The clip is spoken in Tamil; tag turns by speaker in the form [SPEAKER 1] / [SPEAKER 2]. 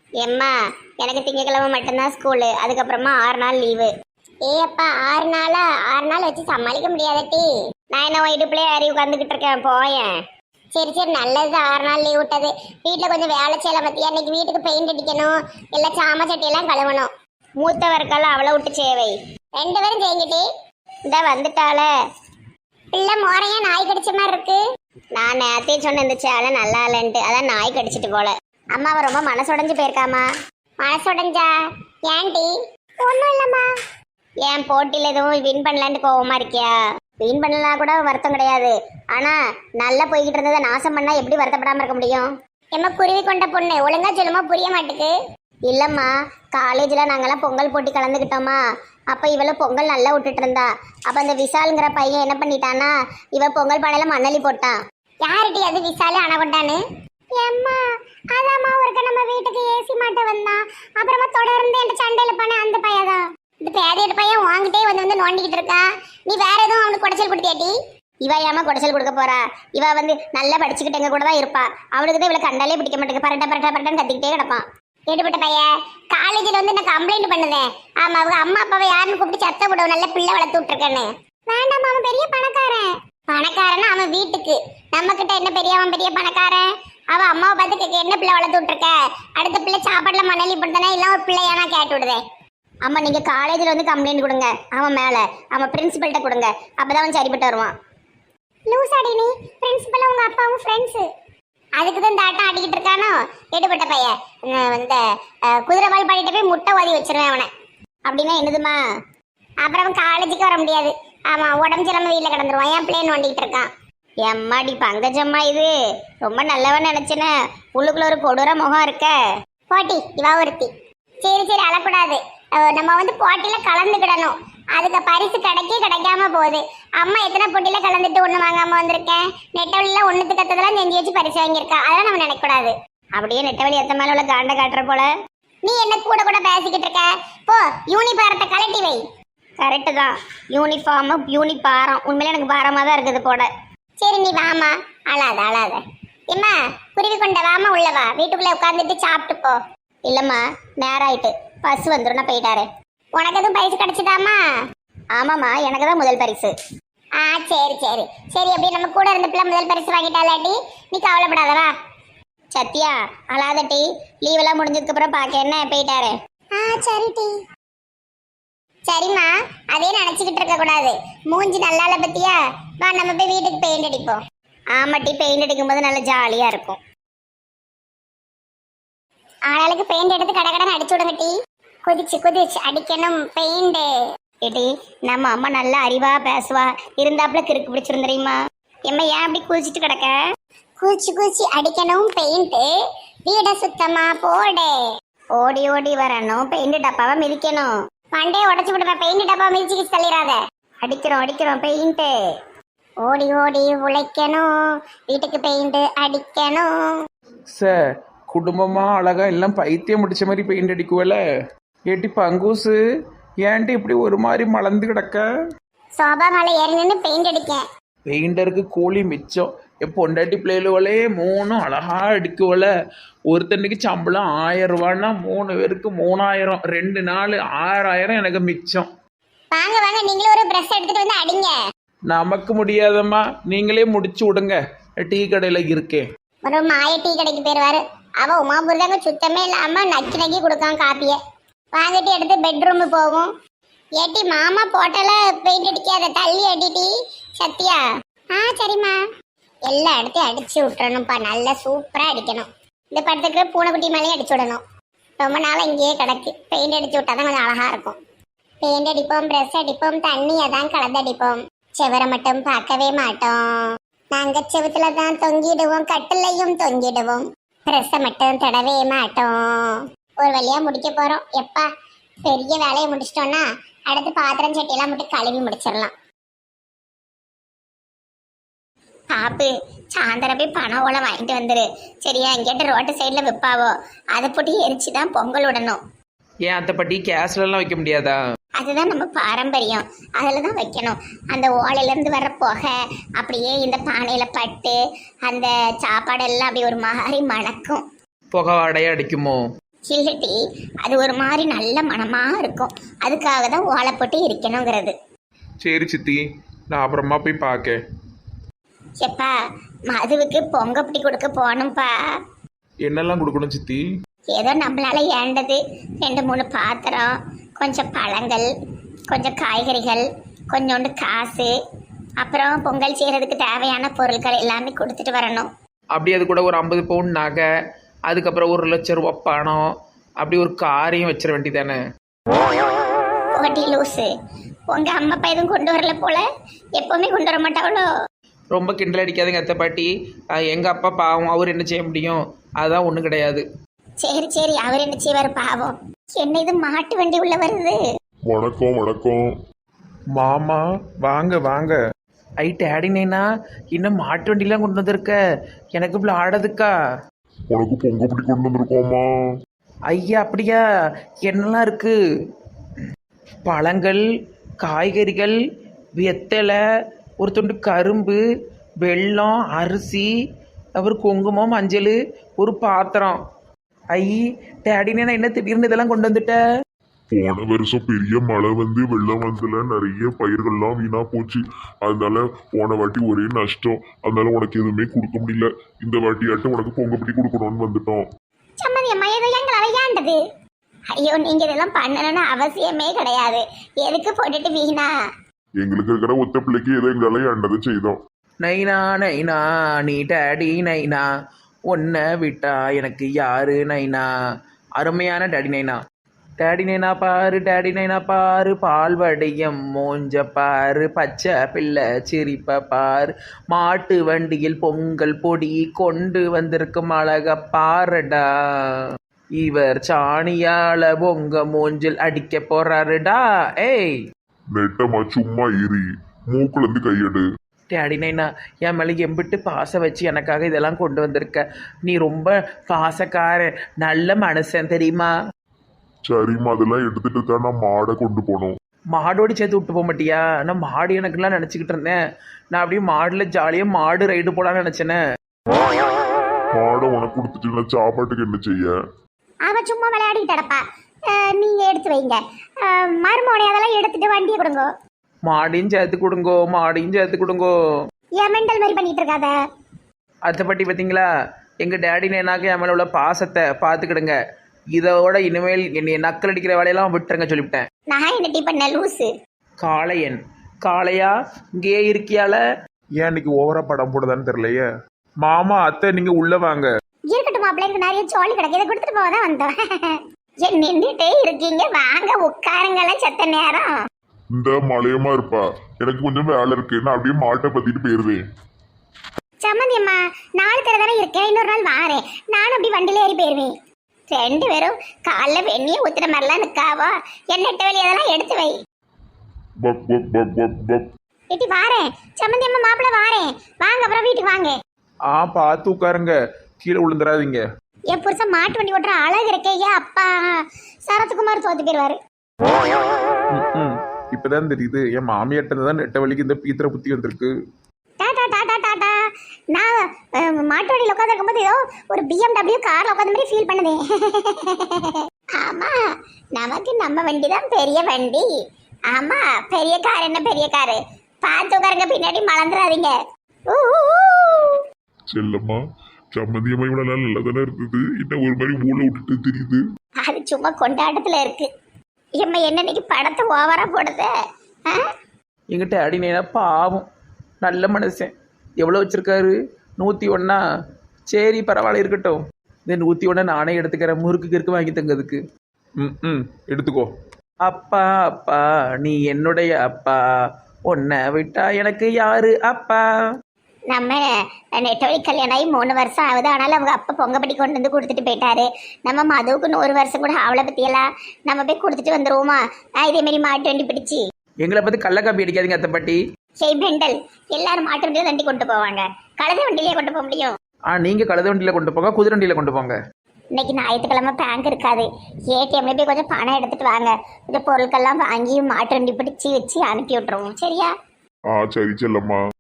[SPEAKER 1] எம்மா, எனக்கு திங்கக்கிழமை மட்டும்தான் ஸ்கூலு, அதுக்கப்புறமா 6 நாள் லீவு. ஏ அப்பா, 6 நாளா? 6 நாள் வச்சு சமாளிக்க முடியாதட்டி. நான் என்ன உன் இடுப்புலயே ஏறி உட்காந்துக்கிட்டு இருக்கேன், போயேன். சரி சரி, நல்லது 6 நாள் லீவ் விட்டது. வீட்டில் கொஞ்சம் வேலை செய்யலாம் பத்தியா. இன்னைக்கு வீட்டுக்கு பெயிண்ட் அடிக்கணும், எல்லாம் சாம சட்டியெல்லாம் கழுவணும். மூத்தவர்க்கெல்லாம் அவளை விட்டு சேவை. 2 பேரும் செய்யுங்கட்டி. இந்த வந்துட்டால பிள்ளை மோரையா நாய் கடிச்ச மாதிரி இருக்கு. நான் நேரத்தையே சொன்ன இந்த சேலை நல்லா இல்லைன்ட்டு, அதான் நாய் கடிச்சிட்டு போல. அம்மா அவ ரொம்ப மனசுடைஞ்சு போயிருக்காமா. மனசுடைஞ்சா? ஏன்டி? ஒன்றும் இல்லைம்மா. ஏன் போட்டியில் எதுவும் வின் பண்ணலான்ட்டு கோவமா இருக்கியா? வின் பண்ணலாம் கூட வருத்தம் கிடையாது, ஆனா நல்லா போய்கிட்டு இருந்ததை நாசம் பண்ணா எப்படி வருத்தப்படாம இருக்க முடியும்? எம்மா குருவி கொண்ட பொண்ணு, ஒழுங்கா சொல்லுமா, புரிய மாட்டுக்கு. இல்லம்மா, காலேஜ்ல நாங்கெல்லாம் பொங்கல் போட்டி கலந்துக்கிட்டோமா, அப்ப இவள பொங்கல் நல்லா விட்டுட்டு இருந்தா. அப்ப அந்த விசாலுங்கிற பையன் என்ன பண்ணிட்டானா, இவ பொங்கல் பானையில மண்ணலி போட்டான். யாருடி அது விசாலு அணகொண்டான்னு? ஏம்மா, அதாம்மா ஒருக்க நம்ம வீட்டுக்கு ஏசி மாட்ட வந்தான், அப்புறமா தொடர்ந்து என் சண்டையில பண்ண அந்த பையதான். இந்த பேதையோட பையன் வாங்கிட்டே வந்து நோண்டிக்கிட்டு இருக்கா. நீ வேற எதுவும் அவனுக்கு குடைச்சல் கொடுத்தியாட்டி? இவ ஏமா குடைச்சல் கொடுக்க போறா? இவ நல்லா படிச்சுக்கிட்டு எங்க கூட தான் இருப்பா. அவனுக்கு தான் இவளை கண்டாலே பிடிக்க மாட்டேங்க, பரட்டன்னு கத்திக்கிட்டே கிடப்பான். எடுபட்ட பையன் காலேஜில் நான் கம்ப்ளைண்ட் பண்ணுதேன். ஆமா, அவங்க அம்மா அப்பாவை யாருன்னு கூப்பிட்டு சத்த விடுவோம், நல்ல பிள்ளை வளர்த்து விட்டுருக்கேன்னு. வேண்டாம், அவன் பெரிய பணக்காரன். பணக்காரன்னா அவன் வீட்டுக்கு, நம்ம கிட்ட என்ன பெரிய அவன் பெரிய பணக்காரன். அவன் அம்மாவை பார்த்து கேட்க என்ன பிள்ளை வளர்த்து விட்டுருக்க, அடுத்த பிள்ளை சாப்பாடுல மணலி போட்டுதானே, இல்லை ஒரு பிள்ளையானா கேட்டு விடுதேன். அம்மா, நீங்க காலேஜில் கம்ப்ளைண்ட் கொடுங்க அவன் மேல, அவன் பிரின்சிபல்கிட்ட கொடுங்க, அப்பதான் அவன் சரிப்பட்டு வருவான். லூசாடி நீ, பிரின்சிபல் உங்க அப்பாவும் ஃப்ரெண்ட்ஸு, அதுக்குதான் இந்த ஆட்டம் ஆடிக்கிட்டு இருக்கானோ. எடுபட்ட பையன் இந்த குதிரைவால் பாடிட்டு போய் முட்டை ஓதி வச்சிருவேன் அவனை. அப்படின்னா என்னதுமா? அப்புறம் அவன் காலேஜுக்கு வர முடியாது. ஆமா, உடம்பு சிலம்ப வீட்டில் கிடந்துருவான். என் பிள்ளைன்னு நோண்டிக்கிட்டு இருக்கான். எம்மாடி பங்கஜம்மா, இது ரொம்ப நல்லவன் நினைச்சேன்னு, உள்ளுக்குள்ள ஒரு கொடூர முகம் இருக்க. போட்டி இவா ஒருத்தி. சரி சரி, அழக்கூடாது. நம்ம போட்டியில கலந்துக்கிடணும், அதுக்கு பரிசு கிடைக்காம போகுது. அம்மா எத்தனை போட்டியில கலந்துட்டு ஒண்ணு வாங்காம வந்திருக்கேன். நெட்டவழியில ஒண்ணுத்து கத்ததெல்லாம் செஞ்சு வச்சு பரிசு வாங்கியிருக்கா, அதெல்லாம் நம்ம நினைக்க கூடாது. அப்படியே நெட்டவழி எத்த மேல உள்ள காண்ட காட்டுற போல நீ என்ன கூட கூட பேசிக்கிட்டு இருக்க. போ, யூனிஃபாரத்தை கலட்டி வை. கரெக்டு தான், யூனிஃபார்மு யூனிபாரம் உண்மையில எனக்கு பாரமா தான் இருக்குது போட. சரி நீ வாமா, அழாத. எம்மா, குருவி கொண்ட வாமா, உள்ளவா, வீட்டுக்குள்ள உட்காந்துட்டு சாப்பிட்டு போ. இல்லம்மா, நேரம் ஆயிட்டு, பஸ் வந்துடும், நான் போயிட்டாரு. உனக்கு எதுவும் பரிசு கிடைச்சதாமா? ஆமாம்மா, எனக்கு தான் முதல் பரிசு. சரி சரி சரி, அப்படியே நம்ம கூட இருந்த பிள்ளை முதல் பரிசு வாங்கிட்டாலாட்டி நீ கவலைப்படாதவா. சத்யா, அழாதட்டி, லீவெல்லாம் முடிஞ்சதுக்கு அப்புறம் பார்க்க என்ன போயிட்டாரு. சரி டி. சரிம்மா, அதே நினைச்சுக்கிட்டு இருக்க கூடாது, மூஞ்சி நல்லால பத்தியா. வா, நம்ம போய் வீட்டுக்கு பெயிண்ட் அடிப்போம். ஆமாட்டி, பெயிண்ட் அடிக்கும் போது நல்லா ஜாலியா இருக்கும். ஆளாளுக்கு பெயிண்ட் எடுத்து கடை அடிச்சு விடுங்க டி. குதிச்சு அடிக்கணும் பெயிண்ட். ஏடி, நம்ம அம்மா நல்லா அறிவா பேசுவா, இருந்தாப்புல கிறுக்கு பிடிச்சிரும் தெரியுமா. எம்மா, ஏன் அப்படி குதிச்சுட்டு கிடக்க? குதிச்சு அடிக்கணும் பெயிண்ட், வீட சுத்தமா போடு. ஓடி ஓடி வரணும், பெயிண்ட் டப்பாவை மிதிக்கணும். பண்டே உடச்சு விடுவேன், பெயிண்ட் டப்பாவை மிதிச்சு தள்ளிடாத. அடிக்கிறோம் பெயிண்ட். ஓடி ஓடி உழைக்கணும், வீட்டுக்கு பெயிண்ட் அடிக்கணும்.
[SPEAKER 2] சார், குடும்பமா அழகா எல்லாம் பைத்தியம் முடிச்ச மாதிரி பெயிண்ட் அடிக்குவல. ஏட்டி பங்கூசு, ஏன்ட்டு இப்படி ஒரு மாதிரி மலர்ந்து கிடக்க?
[SPEAKER 1] சோபா மேலே ஏறி நின்று பெயிண்ட் அடிக்கேன்.
[SPEAKER 2] பெயிண்டருக்கு கூலி மிச்சம். என் பொண்டாட்டி பிள்ளைகளே 3 அழகா அடிக்குவல. ஒருத்தனுக்கு சம்பளம் 1000 ரூபான்னா 3 பேருக்கு 3000, 2 நாள் 6000 எனக்கு மிச்சம்.
[SPEAKER 1] வாங்க நீங்களும் ஒரு பிரஷ் எடுத்துட்டு வந்து அடிங்க.
[SPEAKER 2] நமக்கு முடியாதம்மா, நீங்களே முடிச்சு விடுங்க, டீ கடையில இருக்கேன்.
[SPEAKER 1] ஒரு மாய டீ கடைக்கு போயிருவாரு. அவ உமாபுரிதாங்க சுத்தமே இல்லாம நக்கி கொடுக்கான் காப்பிய. வாங்கிட்டு எடுத்து பெட்ரூமு போகும். ஏட்டி, மாமா போட்டல பெயிண்ட் அடிக்காத, தள்ளி அடிட்டி. சத்யா. சரிம்மா. எல்லா இடத்தையும் அடிச்சு விட்டுறணும்ப்பா, நல்லா சூப்பரா அடிக்கணும். இந்த படத்துக்கு பூனைக்குட்டி மேலேயும் அடிச்சு விடணும். ரொம்ப நாள் இங்கேயே கிடக்கு, பெயிண்ட் அடிச்சு விட்டாதான் கொஞ்சம் அழகா இருக்கும். பெயிண்ட் அடிப்போம், பிரஷ் அடிப்போம், தண்ணியை தான் கலந்து அடிப்போம். செவரை மட்டும் பார்க்கவே மாட்டோம். நாங்க செவத்துல தான் தொங்கிடுவோம், கட்டிலையும் தொங்கிடுவோம், பிரஷை மட்டும் தடவே மாட்டோம். ஒரு வழியா முடிக்க போறோம். எப்பா, பெரிய வேலையை முடிச்சிட்டோம்னா அடுத்து பாத்திரம் சட்டியெல்லாம் மட்டும் கழுவி முடிச்சிடலாம். பாப்பு, சாயந்தரம் போய் பணம் ஓலை வாங்கிட்டு வந்துரு சரியா. எங்கிட்ட ரோட்டு சைடில் விற்பாவோ, அதை போட்டு எரிச்சுதான் பொங்கல் விடணும்.
[SPEAKER 2] ஏன் அத்தைப்பட்டி கேஸ்லாம் வைக்க முடியாதா?
[SPEAKER 1] அதுதான் நம்ம பாரம்பரியம், அதில் தான் வைக்கணும். அந்த ஓலையிலேருந்து வர்ற புகை அப்படியே இந்த பானையில் பட்டு அந்த சாப்பாடெல்லாம் அப்படி ஒரு மாதிரி மணக்கும்.
[SPEAKER 2] புகை வாடையா அடிக்குமோ?
[SPEAKER 1] இல்லட்டி அது ஒரு மாதிரி நல்ல மனமா இருக்கும். அதுக்காக தான் ஓலை போட்டு இருக்கணுங்கிறது.
[SPEAKER 2] சரி சித்தி, நான் அப்புறமா போய் பார்க்க.
[SPEAKER 1] எப்பா மதுவுக்கு பொங்கப்பட்டி கொடுக்க போகணும்ப்பா.
[SPEAKER 2] என்னெல்லாம் கொடுக்கணும் சித்தி?
[SPEAKER 1] ஏதோ நம்மளால ஏண்டது 2-3 பாத்திரம், கொஞ்சம் பழங்கள், கொஞ்சம் காய்கறிகள், கொஞ்சோண்டு காசு, அப்புறம் பொங்கல் செய்கிறதுக்கு தேவையான பொருட்கள் எல்லாமே கொடுத்துட்டு வரணும்.
[SPEAKER 2] அப்படி அது கூட ஒரு 50 பவுன் நகை, அதுக்கப்புறம் 1,00,000 ரூபா பணம், அப்படி ஒரு காரையும் வச்சிட வேண்டியதானே?
[SPEAKER 1] போட்டி லூஸு, உங்க அம்மா அப்பா எதுவும் கொண்டு வரல போல, எப்பவுமே கொண்டு வர மாட்டாங்களோ?
[SPEAKER 2] ரொம்ப கிண்டல் அடிக்காதுங்க அத்தை பாட்டி. எங்கள் அப்பா பாவம், அவர் என்ன செய்ய முடியும்? அதுதான் ஒன்றும் கிடையாது.
[SPEAKER 1] சரி சரி, அவர் என்ன செய்வார் பாவம். என்ன இது மாட்டு வண்டி உள்ள வருது?
[SPEAKER 3] வணக்கம் வணக்கம்.
[SPEAKER 2] மாமா வாங்க வாங்க. டேடினேனா இன்னும் மாட்டு வண்டிலாம் கொண்டு வந்திருக்க, எனக்கு இப்படி ஆடுறதுக்கா?
[SPEAKER 3] உனக்கு பொங்கப்படி கொண்டு வந்திருக்கோமா?
[SPEAKER 2] ஐயா அப்படியா? என்னெல்லாம் இருக்கு? பழங்கள், காய்கறிகள், வெத்தலை, ஒரு துண்டு கரும்பு, வெல்லம், அரிசி, அப்புறம் குங்குமம், மஞ்சள், ஒரு பாத்திரம். டேடினேனா என்ன திடீர்னு இதெல்லாம் கொண்டு வந்துட்ட?
[SPEAKER 3] போன வருஷம் பெரிய மழை வந்து வெள்ளம் வந்ததுல நிறைய பயிர்கள்லாம் வீணா போச்சு. அதனால போன வாட்டி ஒரே நஷ்டம். அதனால உனக்கு எதுவுமே கொடுக்க முடியல. இந்த வாட்டியாட்டும் உனக்கு பொங்கப்படி கொடுக்கணும்னு வந்துட்டோம்.
[SPEAKER 1] சம்மதி அம்மா ஏதோ எங்களை ஏண்டது. ஐயோ நீங்க இதெல்லாம் பண்ணணும்னு அவசியமே கிடையாது. எதுக்கு போட்டுட்டு வீணா?
[SPEAKER 3] எங்களுக்கு இருக்கிற ஒத்த பிள்ளைக்கு ஏதோ எங்களால ஏண்டதை செய்தோம்.
[SPEAKER 2] நைனா நைனா நீ டேடி நைனா, உன்னை விட்டா எனக்கு யாரு நைனா. அருமையான டேடி நைனா. டேடி நைனா பாரு, டேடி நைனா பாரு, பால்வடியம் மோஞ்ச பாரு, பச்சை பிள்ளை சிரிப்ப பாரு, மாட்டு வண்டியில் பொங்கல் பொடி கொண்டு வந்திருக்கும் அழக பாருடா, இவர் சாணியால பொங்க மூஞ்சில் அடிக்க போறாருடா. ஏய்
[SPEAKER 3] நெட்டமா சும்மா ஏறி மூக்குல இருந்து கையெடு.
[SPEAKER 2] டேடி நைனா, என் மேலே எம்பிட்டு பாசம் வச்சு எனக்காக இதெல்லாம் கொண்டு வந்திருக்க. நீ ரொம்ப பாசக்காரன், நல்ல மனுஷன் தெரியுமா?
[SPEAKER 3] சரிம்மா, அதெல்லாம் எடுத்துட்டு தான் நான் மாடை கொண்டு போனோம்.
[SPEAKER 2] மாடோடு சேர்த்து விட்டு போக மாட்டியா? நான் மாடு எனக்குலாம் நினச்சிக்கிட்டு இருந்தேன். நான் அப்படியே மாடில் ஜாலியாக மாடு ரைடு போலான்னு நினச்சேனே.
[SPEAKER 3] மாடை உனக்கு கொடுத்துட்டு நான் சாப்பாட்டுக்கு என்ன செய்ய?
[SPEAKER 1] அவ சும்மா விளையாடிட்டு கிடப்பா. நீங்க எடுத்து வைங்க. மருமோனை அதெல்லாம் எடுத்துட்டு வண்டியை கொடுங்க.
[SPEAKER 2] மாடையும் சேர்த்து கொடுங்கோ, மாடையும் சேர்த்து கொடுங்கோ.
[SPEAKER 1] ஏன் மெண்டல் மாதிரி பண்ணிட்டு இருக்காத.
[SPEAKER 2] அதை பற்றி பார்த்தீங்களா? எங்கள் டேடி நேனாக்கு என் மேலே உள்ள பாசத்தை பார்த்துக்கிடுங்க. இதோட இனிமேல் என்னை நக்கல் அடிக்கிற வேலையெல்லாம் விட்டுருங்க சொல்லிவிட்டேன்.
[SPEAKER 1] நான் என்ன டீ பண்ண லூசு?
[SPEAKER 2] காளையன் காளையா இங்கேயே இருக்கியால?
[SPEAKER 3] ஏன் இன்னைக்கு ஓவரா படம் போடுதான்னு தெரியலையே. மாமா அத்தை நீங்க உள்ள வாங்க.
[SPEAKER 1] இருக்கட்டும் மாப்பிள்ளை, எனக்கு நிறைய சோழி கிடக்கு, இதை கொடுத்துட்டு போக தான் வந்தோம். ஏன் நின்றுட்டே இருக்கீங்க? வாங்க உட்காருங்கலாம் செத்த நேரம்.
[SPEAKER 3] இந்த மலையமா இருப்பா, எனக்கு கொஞ்சம் வேலை இருக்கு, நான் அப்படியே மாட்டை பத்திட்டு போயிருவேன்.
[SPEAKER 1] சம்மந்தி அம்மா, 4 பேர் தானே இருக்கேன், இன்னொரு நாள் வாரேன். நானும் அப்படி வண்டியில ஏறி போயிருவேன். 2 பேரும் காலைல வெந்நிய ஊத்துற மாதிரிலாம் நிற்காவோ. எண்ணெட்ட வெளியே அதெல்லாம் எடுத்து வை.
[SPEAKER 3] பப் பப் பப் பப் பப்.
[SPEAKER 1] இட்டி வாரேன். சம்மந்தி அம்மா மாப்பிள்ளை வாரேன். வாங்க அப்புறம் வீட்டுக்கு வாங்க.
[SPEAKER 3] பார்த்து உட்காருங்க, கீழே விழுந்துடாதீங்க.
[SPEAKER 1] என் புருஷன் மாட்டு வண்டி ஓட்டுற அழகு இருக்கே. அப்பா சரத்குமார் தோத்து போயிருவாரு.
[SPEAKER 3] இப்பதான் தெரியுது, என் மாமியாட்ட தான் நெட்ட வலிக்கு இந்த பீத்திர புத்தி வந்திருக்கு.
[SPEAKER 1] டாடா டாடா டாடா. நான் மாட்டு வண்டியில் உட்காந்துருக்கும் போது ஏதோ ஒரு BMW கார்ல உட்காந்த மாதிரி ஃபீல் பண்ணுதேன். ஆமா, நமக்கு நம்ம வண்டி தான் பெரிய வண்டி. ஆமா, பெரிய கார் என்ன பெரிய காரு. பார்த்து உட்காருங்க, பின்னாடி மறந்துடாதீங்க.
[SPEAKER 3] செல்லம்மா, சம்மந்தியம்மா இவ்வளவு நாள் நல்லா தானே இருந்தது, இன்னும் ஒரு மாதிரி மூளை விட்டுட்டு தெரியுது.
[SPEAKER 1] அது சும்மா கொண்டாட்டத்துல இருக்கு. எம்மா என்ன இன்னைக்கு படத்தை ஓவரா போடுத?
[SPEAKER 2] எங்கிட்ட அடினேனா பாவம், நல்ல மனுஷன். எவ்வளோ வச்சுருக்காரு? 101. சரி பரவாயில்ல இருக்கட்டும். இந்த 101 நானே எடுத்துக்கிறேன், முறுக்கு கிறுக்கு வாங்கி தங்கிறதுக்கு.
[SPEAKER 3] எடுத்துக்கோ.
[SPEAKER 2] அப்பா அப்பா நீ என்னுடைய அப்பா, உன்னை விட்டா எனக்கு யாரு அப்பா.
[SPEAKER 1] நம்ம நெட்டவழி கல்யாணம் ஆகி 3 வருஷம் ஆகுது. ஆனாலும் அவங்க அப்பா பொங்கப்பட்டி கொண்டு வந்து கொடுத்துட்டு போயிட்டாரு. நம்ம மதுவுக்கு 1 வருஷம் கூட அவளை பற்றியெல்லாம் நம்ம போய் கொடுத்துட்டு வந்துருவோமா? இதே மாதிரி மாட்டு வண்டி பிடிச்சி.
[SPEAKER 2] எங்களை பார்த்து கள்ளக்காப்பி அடிக்காதீங்க அத்தை பாட்டி.
[SPEAKER 1] சரி மெண்டல், எல்லாரும் மாட்டு வண்டியில தண்டி கொண்டு போவாங்க, கழுதை வண்டியிலே கொண்டு போக முடியும்?
[SPEAKER 2] நீங்கள் கழுத வண்டியில் கொண்டு போங்க, குதிரை வண்டியில் கொண்டு போங்க.
[SPEAKER 1] இன்னைக்கு ஞாயிற்றுக்கிழமை பேங்க் இருக்காது. ஏடிஎம்ல போய் கொஞ்சம் பணம் எடுத்துட்டு வாங்க. கொஞ்சம் பொருட்கள்லாம் வாங்கி மாட்டு வண்டி பிடிச்சி வச்சு அனுப்பி விட்டுருவோம். சரியா?
[SPEAKER 3] சரி செல்லம்மா.